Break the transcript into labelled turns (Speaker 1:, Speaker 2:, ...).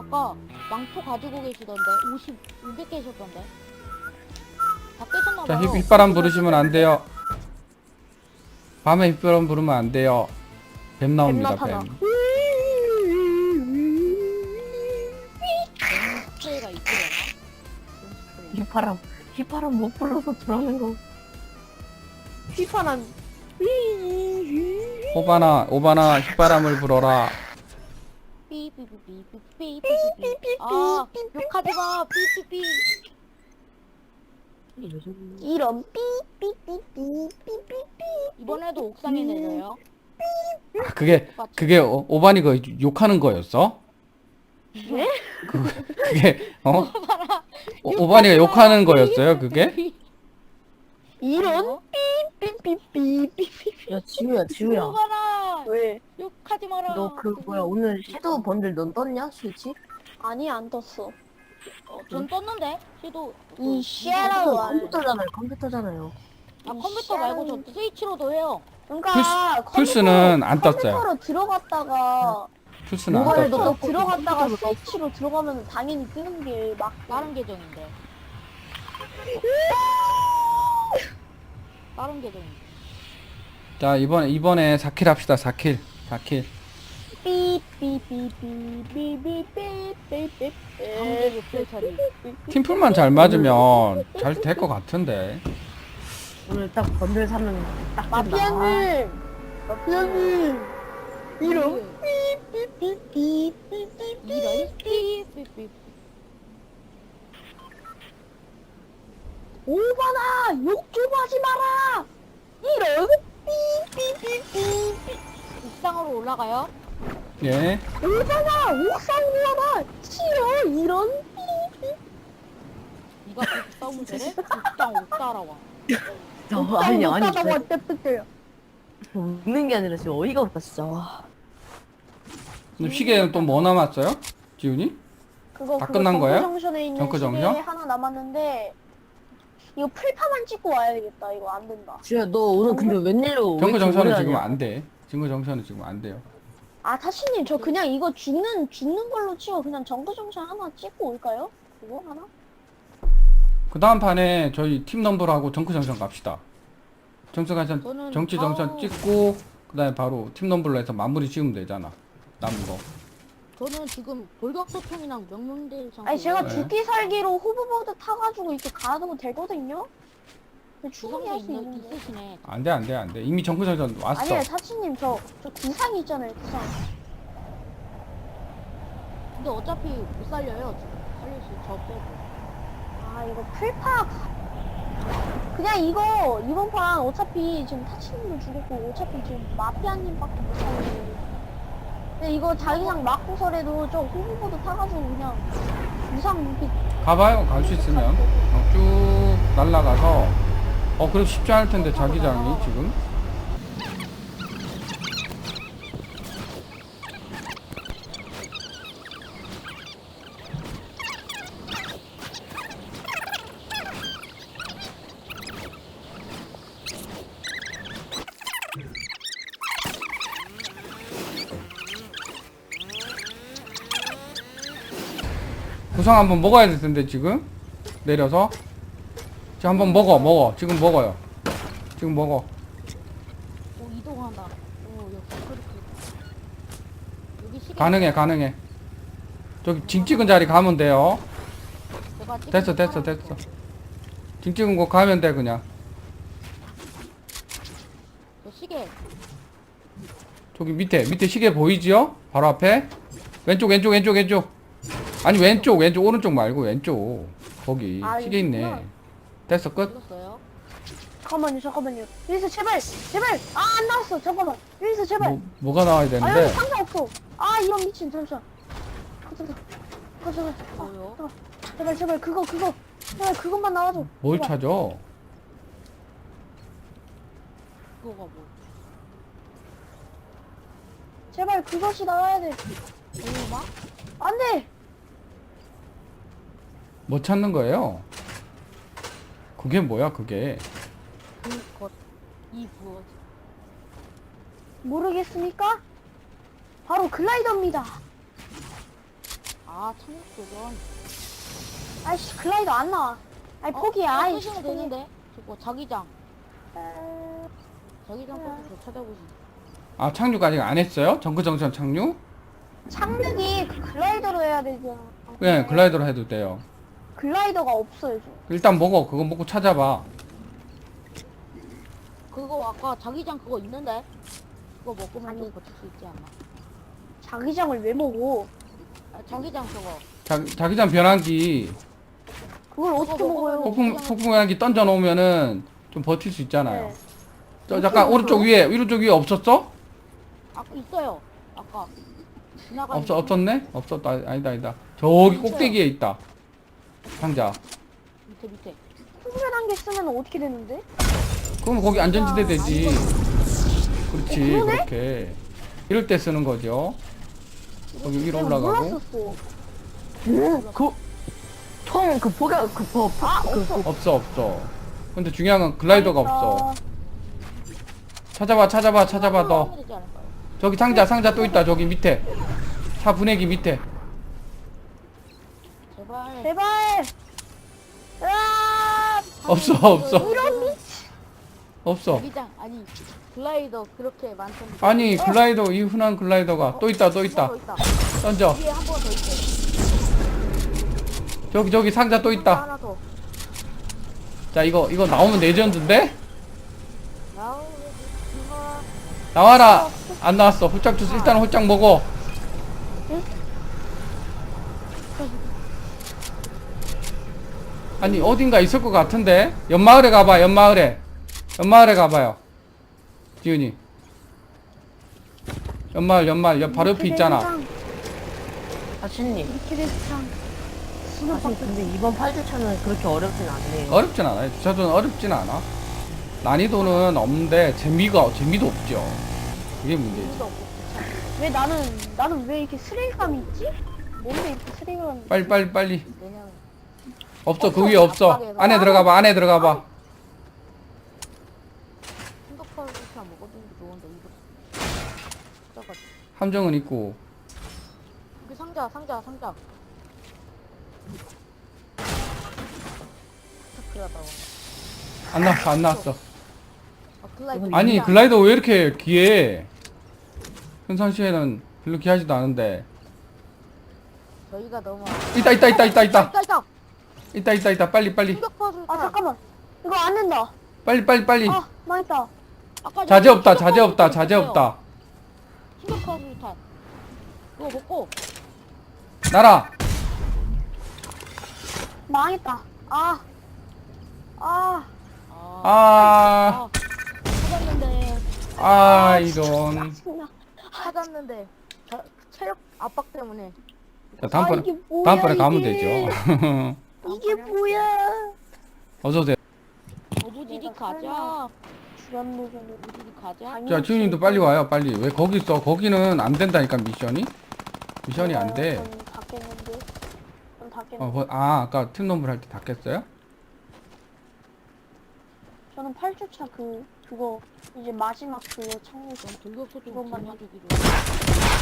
Speaker 1: 아까 망토 가지고 계시던데 500 계셨던데. 다 깨셨나봐요.
Speaker 2: 자, 휘바람 부르시면 안 돼요. 밤에 휘바람 부르면 안 돼요. 뱀 나옵니다,
Speaker 3: 뱀 나타나.
Speaker 2: 뱀.
Speaker 1: 스프레이가 있으려나?
Speaker 3: 휘파람 못 불러서 들어가는 거. 휘파람.
Speaker 2: 오바나 휘바람을 불어라.
Speaker 1: 삐삐삐삐삐삐삐삐삐. 아, 욕하지마. 삐삐삐.
Speaker 3: 이런 삐삐삐삐삐삐삐.
Speaker 1: 이번에도 옥상에 내려요.
Speaker 2: 아, 그게 오바니 그 욕하는 거였어?
Speaker 3: 네?
Speaker 2: 그게 오바니가 욕하는 거였어요, 그게?
Speaker 3: 이런 삐삐삐삐삐삐.
Speaker 4: 야 지우야
Speaker 1: 욕하라.
Speaker 3: 왜?
Speaker 1: 욕하지 마라.
Speaker 4: 너 그 뭐야 오늘 섀도우 번들 넌 떴냐 실지?
Speaker 3: 아니 안 떴어.
Speaker 1: 전 떴는데. 시도.
Speaker 3: 이 쉐라도 안.
Speaker 4: 컴퓨터잖아요.
Speaker 1: 아, 컴퓨터 말고 저 스위치로도 해요.
Speaker 3: 그러니까
Speaker 2: 플스는 안 떴어요.
Speaker 3: 컴퓨터로 들어갔다가
Speaker 2: 플스는 안
Speaker 4: 모바일도
Speaker 2: 떴어.
Speaker 4: 떴고
Speaker 3: 들어갔다가
Speaker 4: 컴퓨터로
Speaker 3: 스위치로 들어가면 당연히 뜨는 게 막.
Speaker 1: 다른 계정인데. 다른 계정인데.
Speaker 2: 자, 이번에 4킬 합시다, 4킬. 4킬.
Speaker 3: 삐삐삐삐삐삐삐삐삐.
Speaker 1: 강제 육질 처리.
Speaker 2: 팀플만 잘 맞으면 잘 될 것 같은데.
Speaker 4: 오늘 딱 번들 사면 딱 된다.
Speaker 3: 마피아님, 마피아님, 이런
Speaker 1: 이런
Speaker 3: 삐삐삐삐삐삐.
Speaker 1: 삐삐삐.
Speaker 3: 오바나 욕 좀 하지 마라. 이런 삐삐삐삐삐.
Speaker 1: 옥상으로 올라가요.
Speaker 2: 예.
Speaker 3: 오바나 옥상 올라가. 싫어 이런 삐삐.
Speaker 1: 네가 그렇게 싸우면 되래? 옥상 못 따라와.
Speaker 4: 아니
Speaker 3: 왔다 떼떼떼요.
Speaker 4: 웃는 게 아니라 지금 어이가 없다 진짜. 와.
Speaker 2: 그럼 시계는 또 뭐 남았어요? 지훈이?
Speaker 3: 그거
Speaker 2: 다 끝난 거예요?
Speaker 3: 정크정션에 있는
Speaker 2: 정크
Speaker 3: 시계
Speaker 2: 정션?
Speaker 3: 하나 남았는데 이거 풀파만 찍고 와야 되겠다. 이거 안 된다.
Speaker 4: 지우야 너 오늘 근데 웬일로
Speaker 2: 정크 정선은
Speaker 4: 오래
Speaker 2: 지금
Speaker 4: 하냐?
Speaker 2: 안 돼. 정크 정선은 지금 안 돼요.
Speaker 3: 아 타시님 저 그냥 이거 죽는 걸로 치고 그냥 정크정션 하나 찍고 올까요? 그거 하나?
Speaker 2: 그 다음 판에 저희 팀 넘버하고 정크 정선 갑시다. 정치
Speaker 1: 저는
Speaker 2: 정선
Speaker 1: 바로-
Speaker 2: 찍고 그다음에 바로 팀 넘버로 해서 마무리 지으면 되잖아. 남은 거.
Speaker 1: 저는 지금 돌격소총이랑 명령대상.
Speaker 3: 아니 제가
Speaker 2: 네.
Speaker 3: 죽기 살기로 호버보드 타가지고 이렇게 가도 되거든요? 근데 충분히 할 수
Speaker 1: 주성도
Speaker 3: 있는데
Speaker 1: 있으시네.
Speaker 2: 안 돼. 이미 정크 정선 왔어.
Speaker 3: 아니에요 타치님 저 구상 있잖아요 구상.
Speaker 1: 근데 어차피 못 살려요. 지금 살릴 수 저 빼고.
Speaker 3: 아 이거 풀파 그냥 이거 이번 판 어차피 지금 타치님도 죽었고 어차피 지금 마피아님밖에 못 살리고 근데 이거 자기장 맞고서라도 저 호버보드 타가지고 그냥 구상 이렇게
Speaker 2: 가봐요. 갈 수 있으면 쭉 날라가서. 그럼 쉽지 않을 텐데 자기장이 지금. 구상 한번 먹어야 될 텐데 지금 내려서 지금 한번 먹어 지금 먹어요. 지금 먹어.
Speaker 1: 오 이동한다. 오 여기 그렇게. 여기 시계.
Speaker 2: 가능해. 저기 징 찍은 자리 가면 돼요.
Speaker 1: 제가 찍은
Speaker 2: 됐어.
Speaker 1: 사람
Speaker 2: 징 찍은 곳 가면 돼 그냥.
Speaker 1: 저 시계.
Speaker 2: 저기 밑에 시계 보이지요? 바로 앞에 왼쪽. 아니 왼쪽 오른쪽 말고 왼쪽 거기
Speaker 3: 아,
Speaker 2: 시계 있네.
Speaker 3: 이거구나.
Speaker 2: 됐어 끝.
Speaker 1: 찍었어요.
Speaker 3: 잠깐만요 여기서 제발 아 안 나왔어 잠깐만 여기서 제발
Speaker 2: 뭐가 나와야
Speaker 3: 아 여기
Speaker 2: 되는데.
Speaker 3: 상자 없어 아 이런 미친 잠시만 잠깐
Speaker 1: 뭐요?
Speaker 3: 제발 그거 제발 그것만 나와줘
Speaker 2: 뭘
Speaker 3: 제발.
Speaker 2: 찾아?
Speaker 1: 그거가 뭐?
Speaker 3: 제발 그것이 나와야 돼
Speaker 1: 얼마?
Speaker 3: 안돼
Speaker 2: 뭐 찾는 거예요? 그게 뭐야 그게?
Speaker 1: 그것 이 무엇?
Speaker 3: 모르겠습니까? 바로 글라이더입니다
Speaker 1: 아 아, 착륙 도전.
Speaker 3: 아이씨, 글라이더 안 나와. 아이, 포기야. 아이씨,
Speaker 1: 쓰시면 되는데. 저거, 자기장. 자기장
Speaker 3: 음.
Speaker 1: 포기 저 찾아보시.
Speaker 2: 아, 착륙 아직 안 했어요? 정크정션 착륙?
Speaker 3: 착륙이 그 글라이더로 해야 되잖아.
Speaker 2: 네, 글라이더로 해도 돼요.
Speaker 3: 글라이더가 없어요, 저.
Speaker 2: 일단 먹어. 그거 먹고 찾아봐.
Speaker 1: 그거 아까 자기장 그거 있는데? 그거 먹으면
Speaker 3: 아니.
Speaker 1: 좀 버틸 수 있지 않나?
Speaker 3: 자기장을 왜 먹어?
Speaker 1: 아, 자기장 저거.
Speaker 2: 자기장 변환기,
Speaker 3: 그걸 어떻게
Speaker 1: 먹어,
Speaker 3: 먹어요?
Speaker 1: 먹어.
Speaker 2: 폭풍 변환기 던져 놓으면은 좀 버틸 수 있잖아요.
Speaker 3: 네.
Speaker 2: 저 잠깐 오른쪽 위에 없었어?
Speaker 1: 아까 있어요. 아까. 지나가는
Speaker 2: 없었네? 없었다. 아니다. 저기 꼭대기에 있다. 상자.
Speaker 1: 밑에.
Speaker 3: 풍선한 개 쓰면 어떻게 되는데?
Speaker 2: 그럼 거기 안전지대 되지. 그렇지,
Speaker 3: 그러네?
Speaker 2: 그렇게. 이럴 때 쓰는 거죠. 거기 위로
Speaker 3: 내가
Speaker 2: 올라가고.
Speaker 3: 몰랐었어.
Speaker 4: 총 그 포격
Speaker 2: 없어. 근데 중요한 건 글라이더가 없어. 찾아봐, 너.
Speaker 1: 하면 되지 않을까요?
Speaker 2: 저기 상자 또 있다. 저기 밑에. 차 분해기 밑에.
Speaker 1: 제발.
Speaker 3: 제발! 으아!
Speaker 2: 없어.
Speaker 3: 이런 미
Speaker 2: 없어.
Speaker 1: 자기장 아니 글라이더 그렇게 많던데.
Speaker 2: 아니, 글라이더, 이 흔한 글라이더가. 또 있다.
Speaker 1: 더 있다.
Speaker 2: 던져.
Speaker 1: 위에 한 번 더 있어.
Speaker 2: 저기 상자 또 있다.
Speaker 1: 하나 더.
Speaker 2: 자, 이거 나오면 레전드인데?
Speaker 1: 야우, 이거
Speaker 2: 나와라. 안 나왔어. 홀짝 주스 일단 홀짝 먹어. 아니, 어딘가 있을 것 같은데? 연마을에 가봐. 연마을에 가봐요. 지훈이. 연마을 바로 옆에 있잖아.
Speaker 4: 아신님.
Speaker 3: 미키레스창.
Speaker 4: 아신 근데 이번 8주차는 그렇게 어렵진 않네요.
Speaker 2: 어렵진 않아요. 저도 어렵진 않아. 난이도는 없는데 재미도 없죠. 그게 문제지.
Speaker 1: 재미도 없고
Speaker 3: 왜 나는 왜 이렇게 스릴감이 있지? 뭔데 이렇게 스릴감이 있지?
Speaker 2: 빨리.
Speaker 1: 내년
Speaker 2: 없어. 그 위에 없어.
Speaker 1: 압박에서.
Speaker 2: 안에 들어가봐.
Speaker 1: 생각하고 그냥 먹어두는 게 좋은데 이거. 찾아가지고.
Speaker 2: 함정은 있고.
Speaker 1: 여기 상자. 그러다
Speaker 2: 안 나왔어.
Speaker 1: 아 글라이더.
Speaker 2: 아니, 글라이더 왜 이렇게 귀해? 평상시에는 별로 귀하지도 않은데.
Speaker 1: 저희가 너무.
Speaker 2: 있다.
Speaker 1: 있다.
Speaker 2: 빨리.
Speaker 1: 충격파술.
Speaker 3: 아 잠깐만. 이거 안 된다.
Speaker 2: 빨리.
Speaker 3: 아 망했다.
Speaker 1: 아까
Speaker 2: 자재 없다.
Speaker 1: 충격파술탄. 그거 먹고.
Speaker 2: 날아.
Speaker 3: 망했다. 아.
Speaker 1: 찾았는데.
Speaker 2: 이런.
Speaker 3: 짜증나.
Speaker 1: 찾았는데 체력 압박 때문에.
Speaker 2: 자,
Speaker 3: 이게 뭐야,
Speaker 2: 다음번에 가면
Speaker 3: 이게.
Speaker 2: 되죠.
Speaker 3: 이게 뭐야?
Speaker 2: 어서오세요.
Speaker 1: 어부지리 가자.
Speaker 3: 주간노선을
Speaker 1: 어부지리 가자.
Speaker 2: 자, 지훈님도 빨리 와요. 빨리. 왜 거기 있어? 거기는 안 된다니까, 미션이 안 돼.
Speaker 3: 전 닫겠는데.
Speaker 2: 아까 팀nom블 할 때 다 깼어요?
Speaker 3: 저는 8주차 그거 이제 마지막 그거 창문에서
Speaker 1: 등급소 좀
Speaker 3: 그것만
Speaker 1: 주기로.